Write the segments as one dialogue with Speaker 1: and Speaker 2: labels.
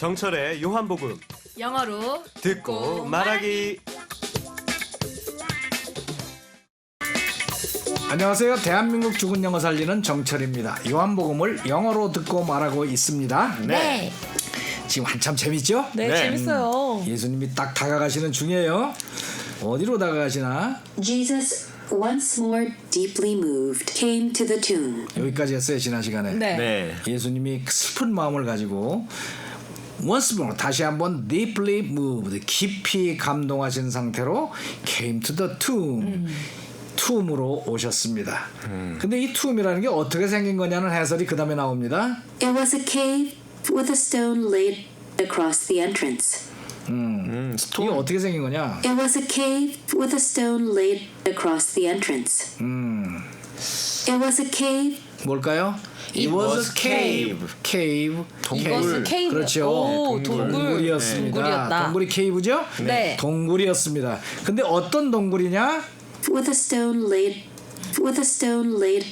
Speaker 1: 정철의 요한복음
Speaker 2: 영어로
Speaker 1: 듣고 말하기.
Speaker 3: 안녕하세요. 대한민국 죽은 영어 살리는 정철입니다. 요한복음을 영어로 듣고 말하고 있습니다.
Speaker 2: 네.
Speaker 3: 지금 한참 재밌죠?
Speaker 2: 네,
Speaker 1: 네.
Speaker 2: 재밌어요.
Speaker 3: 예수님이 딱 다가가시는 중이에요. 어디로 다가가시나?
Speaker 4: Jesus, once more deeply moved, came to the tomb.
Speaker 3: 여기까지 했어요. 지난 시간에.
Speaker 2: 네.
Speaker 1: 네.
Speaker 3: 예수님이 슬픈 마음을 가지고 once more 다시 한번 deeply moved 깊이 감동하신 상태로 came to the tomb 툼으로 오셨습니다. 근데 이 툼이라는 게 어떻게 생긴 거냐는 해설이 그 다음에 나옵니다.
Speaker 4: It was a cave with a stone laid across the entrance.
Speaker 3: 이게 어떻게 생긴 거냐?
Speaker 4: It was a cave with a stone laid across the entrance. It was a cave.
Speaker 3: 뭘까요? It was a cave. cave.
Speaker 2: 이것은 케이브.
Speaker 3: 그렇죠.
Speaker 2: 오,
Speaker 3: 동굴이었습니다.
Speaker 2: 동굴이었다.
Speaker 3: 동굴이 케이브죠?
Speaker 2: 네.
Speaker 3: 동굴이었습니다. 근데 어떤 동굴이냐?
Speaker 4: With a stone laid. With a stone laid.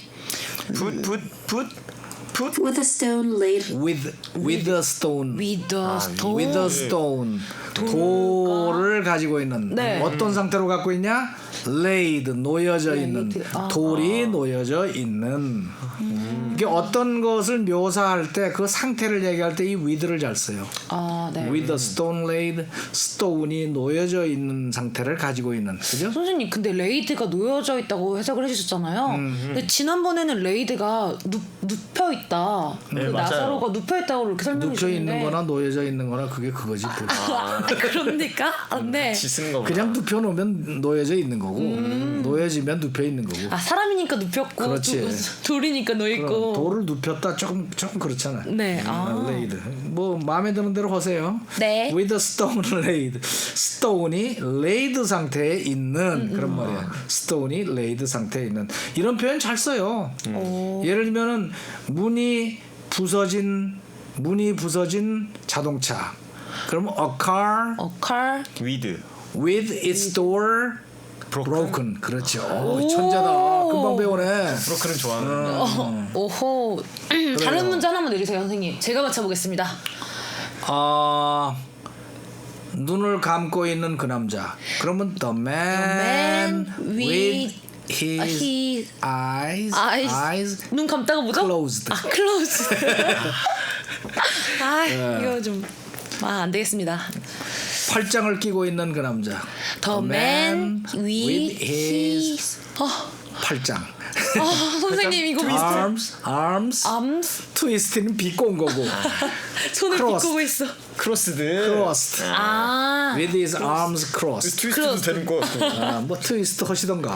Speaker 4: With a stone laid.
Speaker 3: With a stone.
Speaker 2: With a stone.
Speaker 3: With a stone. 돌을 가지고 있는
Speaker 2: 네.
Speaker 3: 어떤 상태로 갖고 있냐? laid 놓여져 있는 돌이 놓여져 있는 이게 어떤 것을 묘사할 때 그 상태를 얘기할 때 이 with를 잘 써요.
Speaker 2: 아, 네.
Speaker 3: with a stone laid stone이 놓여져 있는 상태를 가지고 있는 그죠?
Speaker 2: 선생님, 근데 레이드가 놓여져 있다고 해석을 해주셨잖아요. 근데 지난번에는 레이드가 눕혀 있다.
Speaker 1: 네, 맞아요.
Speaker 2: 나사로가 눕혀 있다고 이렇게 설명해
Speaker 3: 눕혀
Speaker 2: 주셨는데.
Speaker 3: 있는 거나 놓여져 있는 거나 그게 그거지.
Speaker 2: 그럽니까? 아, 네.
Speaker 1: 쓰는 거.
Speaker 3: 그냥 눕혀 놓으면 놓여져 있는 거고 놓여지면 눕혀 있는 거고.
Speaker 2: 아, 사람이니까 눕혔고
Speaker 3: 그렇지.
Speaker 2: 돌이니까 놓여 있고.
Speaker 3: 돌을 눕혔다 조금 그렇잖아.
Speaker 2: 네. 아.
Speaker 3: laid. 뭐 마음에 드는 대로 하세요.
Speaker 2: 네.
Speaker 3: With a stone laid. stone이 laid 상태에 있는 그런 말이야. stone이 laid 상태에 있는 이런 표현 잘 써요. 예를 들면은 문이 부서진 자동차. 그러면 a car
Speaker 2: car.
Speaker 1: with
Speaker 3: its door broken. 그렇죠. 천재다. 금방 배우네.
Speaker 1: 브로커는 좋아하는.
Speaker 2: 오호. 다른 문제 하나만 내주세요, 선생님. 제가 맞춰보겠습니다.
Speaker 3: 눈을 감고 있는 그 남자. 그러면 the man with his eyes
Speaker 2: 눈 감다가 뭐죠?
Speaker 3: closed.
Speaker 2: closed. 이거 좀 안 되겠습니다.
Speaker 3: 팔짱을 끼고 있는 그 남자.
Speaker 2: The man with
Speaker 3: his 팔짱.
Speaker 2: 선생님 이거
Speaker 3: arms 트위스트는 비꼰 거고.
Speaker 2: 손을
Speaker 3: crossed.
Speaker 2: 비꼬고 있어.
Speaker 1: 크로스드.
Speaker 3: crossed. with his arms crossed.
Speaker 1: 트위스트도 되는 거.
Speaker 3: 뭐 트위스트 하시던가.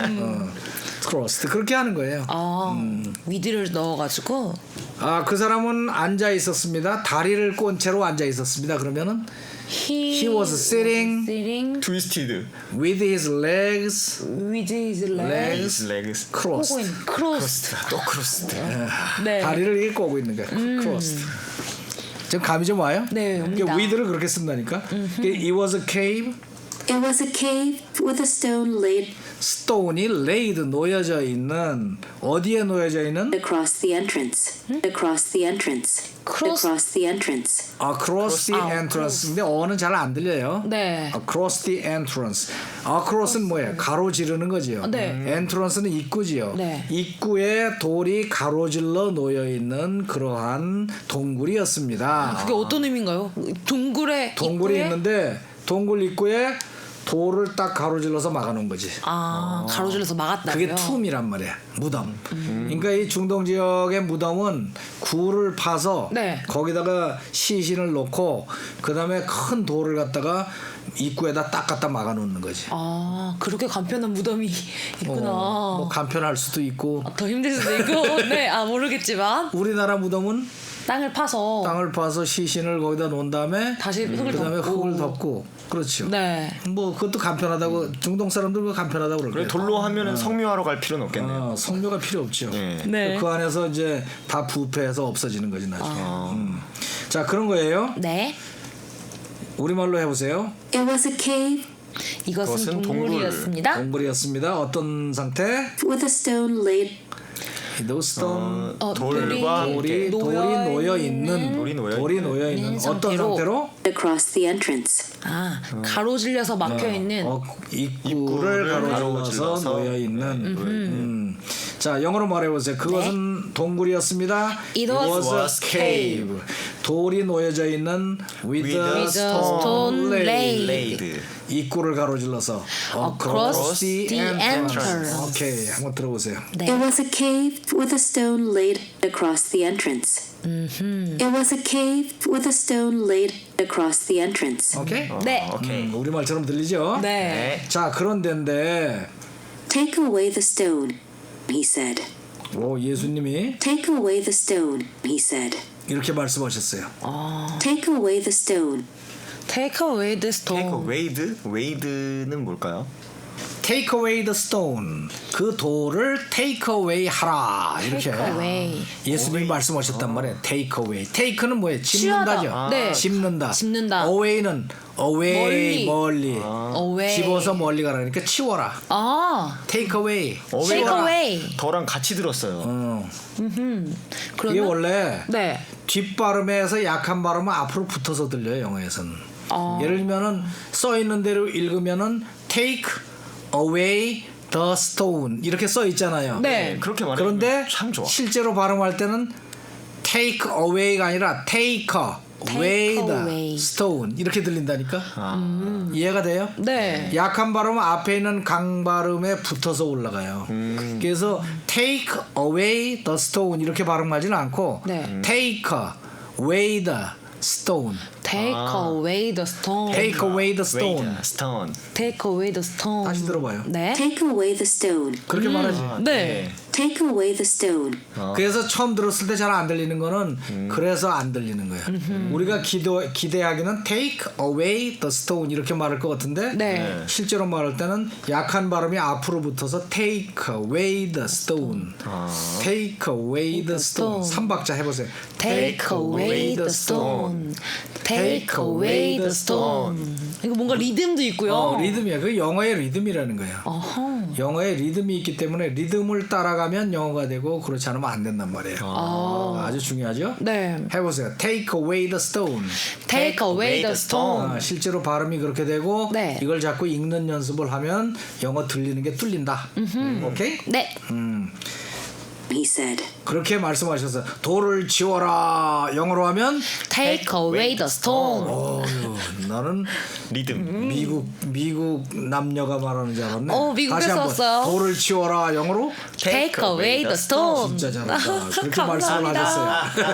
Speaker 3: crossed 그렇게 하는 거예요.
Speaker 2: 위드를 넣어가지고.
Speaker 3: 그 사람은 앉아 있었습니다. 다리를 꼰 채로 앉아 있었습니다. 그러면은 he was sitting
Speaker 1: 트위스티드.
Speaker 3: with his legs
Speaker 2: with his legs
Speaker 1: 레그스.
Speaker 3: crossed.
Speaker 2: crossed.
Speaker 1: 또 크로스드.
Speaker 2: 네.
Speaker 3: 다리를 이렇게 꼬고 있는 거야. crossed. 지금 감이 좀 와요?
Speaker 2: 네, 옵니다.
Speaker 3: with를 그렇게 쓴다니까. It was a cave.
Speaker 4: It was a cave with a stone laid
Speaker 3: stone이 laid 놓여져 있는 어디에 놓여져 있는?
Speaker 4: across the entrance. Across the entrance. Across the entrance.
Speaker 3: across the entrance. 근데 어는 잘 안 들려요.
Speaker 2: 네.
Speaker 3: across the entrance. across는 뭐예요? 가로지르는 거지요.
Speaker 2: 네.
Speaker 3: entranc는 입구지요.
Speaker 2: 네.
Speaker 3: 입구에 돌이 가로질러 놓여 있는 그러한 동굴이었습니다.
Speaker 2: 그게 어떤 의미인가요? 동굴에 입구에?
Speaker 3: 있는데 동굴 입구에 돌을 딱 가로질러서 막아놓은 거지.
Speaker 2: 가로질러서 막았다고요?
Speaker 3: 그게 툼이란 말이야. 무덤. 그러니까 이 중동 지역의 무덤은 굴을 파서
Speaker 2: 네.
Speaker 3: 거기다가 시신을 놓고 그 다음에 큰 돌을 갖다가 입구에다 딱 갖다 막아놓는 거지.
Speaker 2: 그렇게 간편한 무덤이 있구나.
Speaker 3: 뭐 간편할 수도 있고.
Speaker 2: 더 힘들 수도 있고. 네, 모르겠지만
Speaker 3: 우리나라 무덤은
Speaker 2: 땅을 파서
Speaker 3: 시신을 거기다 놓은 다음에
Speaker 2: 다시 흙을
Speaker 3: 그다음에
Speaker 2: 덮고.
Speaker 3: 흙을 덮고 그렇죠.
Speaker 2: 네.
Speaker 3: 뭐 그것도 간편하다고 중동 사람들 그거 간편하다고
Speaker 1: 그래
Speaker 3: 그러고요.
Speaker 1: 돌로 하면은 성묘하러 갈 필요는 없겠네요.
Speaker 3: 성묘가 필요 없죠.
Speaker 2: 네.
Speaker 3: 그 안에서 이제 다 부패해서 없어지는 거지 나중에. 자 그런 거예요.
Speaker 2: 네.
Speaker 3: 우리말로 해보세요.
Speaker 4: It was a cave
Speaker 2: 이것은
Speaker 1: 그것은
Speaker 2: 동굴이었습니다.
Speaker 3: 동굴이었습니다. 어떤 상태?
Speaker 4: with a stone laid
Speaker 3: those stone
Speaker 1: 돌과
Speaker 3: 돌이 놓여 있는
Speaker 1: 돌이 놓여
Speaker 3: 어떤
Speaker 2: 상태로.
Speaker 3: 상태로
Speaker 4: across the entrance.
Speaker 2: 아, 가로질려서 막혀 있는.
Speaker 3: 입구를 가로질러서 놓여 있는. 자, 영어로 말해보세요. 그것은 동굴이었습니다.
Speaker 2: It was
Speaker 3: a cave. 돌이 놓여져 있는 with
Speaker 1: With
Speaker 3: a
Speaker 1: a
Speaker 3: stone laid.
Speaker 1: laid.
Speaker 3: 입구를 가로질러서
Speaker 2: Across the entrance.
Speaker 3: 오케이, 한번 들어보세요.
Speaker 4: It was a cave with a stone laid across the entrance. It was a cave with a stone laid across the entrance.
Speaker 3: 오케이?
Speaker 2: 네.
Speaker 1: 오케이.
Speaker 3: 우리말처럼 들리죠?
Speaker 2: 네.
Speaker 3: 자, 그런데인데
Speaker 4: Take away the stone, he said.
Speaker 3: 예수님이
Speaker 4: Take away the stone, he said.
Speaker 3: 이렇게 말씀하셨어요.
Speaker 4: Take away the stone.
Speaker 2: Take away the
Speaker 1: Take
Speaker 2: stone.
Speaker 1: wade? wade는 뭘까요?
Speaker 3: Take away the stone. 그 돌을 take away 하라. 이렇게
Speaker 2: Take away.
Speaker 3: 예수님이 말씀하셨단 말이에요. Take away. Take는 뭐예요? 집는다죠.
Speaker 2: 취하다. 네.
Speaker 3: 집는다.
Speaker 2: 집는다.
Speaker 3: Away는 away 멀리.
Speaker 2: Away.
Speaker 3: 집어서 멀리 가라. 그러니까 치워라.
Speaker 2: 아,
Speaker 3: Take away.
Speaker 2: take away.
Speaker 1: 더랑 같이 들었어요.
Speaker 3: 이게
Speaker 2: 그러면
Speaker 3: 원래
Speaker 2: 네.
Speaker 3: 뒷발음에서 약한 발음은 앞으로 붙어서 들려요. 영어에서는. 예를 들면은 써 있는 대로 읽으면은 take away the stone 이렇게 써 있잖아요.
Speaker 2: 네.
Speaker 1: 그렇게 말하면
Speaker 3: 그런데
Speaker 1: 참 좋아.
Speaker 3: 실제로 발음할 때는 take away가 아니라 take away the
Speaker 2: away.
Speaker 3: stone 이렇게 들린다니까. 이해가 돼요?
Speaker 2: 네.
Speaker 3: 약한 발음은 앞에 있는 강 발음에 붙어서 올라가요. 그래서 take away the stone 이렇게 발음하지는 않고
Speaker 2: 네.
Speaker 3: take away the stone.
Speaker 2: Take away the stone.
Speaker 3: Take away the stone.
Speaker 1: wade, stone.
Speaker 2: Take away the stone.
Speaker 3: 다시 들어봐요.
Speaker 2: 네.
Speaker 4: Take away the stone.
Speaker 3: 그렇게 말하지.
Speaker 2: 네.
Speaker 4: Take away the stone.
Speaker 3: 그래서 처음 들었을 때 잘 안 들리는 거는 그래서 안 들리는 거야. 우리가 기대하기는 take away the stone 이렇게 말할 것 같은데
Speaker 2: 네.
Speaker 3: 실제로 말할 때는 약한 발음이 앞으로 붙어서 take away the stone. take away the stone. 3박자 해보세요.
Speaker 2: Take away the stone. Take away the stone. 이거 뭔가 리듬도 있고요.
Speaker 3: 리듬이야. 그 영어의 리듬이라는 거야.
Speaker 2: 어허.
Speaker 3: 영어에 리듬이 있기 때문에 리듬을 따라가면 영어가 되고 그렇지 않으면 안 된단 말이에요. 아주 중요하죠?
Speaker 2: 네.
Speaker 3: 해보세요. Take away the stone.
Speaker 2: Take away the stone.
Speaker 3: 실제로 발음이 그렇게 되고
Speaker 2: 네.
Speaker 3: 이걸 자꾸 읽는 연습을 하면 영어 들리는 게 뚫린다. 오케이?
Speaker 2: 네.
Speaker 4: He said.
Speaker 3: 그렇게 말씀하셔서 돌을 지워라. 영어로 하면
Speaker 2: Take away the stone.
Speaker 3: 나는
Speaker 1: 리듬.
Speaker 3: 미국 남녀가 말하는 줄 알았네.
Speaker 2: 미국에서
Speaker 3: 다시 한번
Speaker 2: 왔어요.
Speaker 3: 돌을 치워라. 영어로
Speaker 2: Take away the stone.
Speaker 3: 진짜 잘한다. 그렇게 말씀을 하셨어요.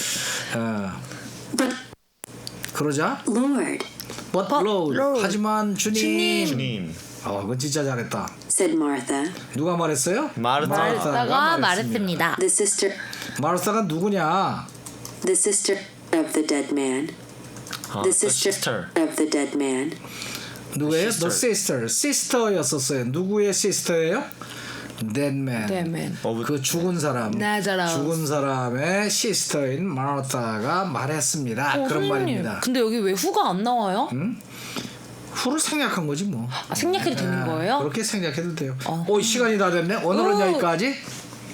Speaker 4: But
Speaker 3: 그러자
Speaker 4: Lord,
Speaker 3: But Lord. 하지만 주님.
Speaker 1: 주님.
Speaker 3: 그건 진짜 잘했다.
Speaker 4: said Martha,
Speaker 3: 누가 말했어요?
Speaker 2: 마르타가 말했습니다.
Speaker 4: the sister
Speaker 3: 마르사가 누구냐?
Speaker 4: the sister of the dead man. The sister of the dead man.
Speaker 3: 누구예요? The
Speaker 1: sister.
Speaker 3: sister였었어요. 누구의 sister예요? Dead man.
Speaker 2: Dead man.
Speaker 3: 그 죽은 사람.
Speaker 2: Lazarus.
Speaker 3: 죽은 사람의 sister인 마르타가 말했습니다. 그런 말입니다.
Speaker 2: 근데 여기 왜 후가 안 나와요?
Speaker 3: 후를 생략한 거지 뭐.
Speaker 2: 생략해도 되는 거예요?
Speaker 3: 그렇게 생략해도 돼요. 시간이 다 됐네. 오늘은 여기까지.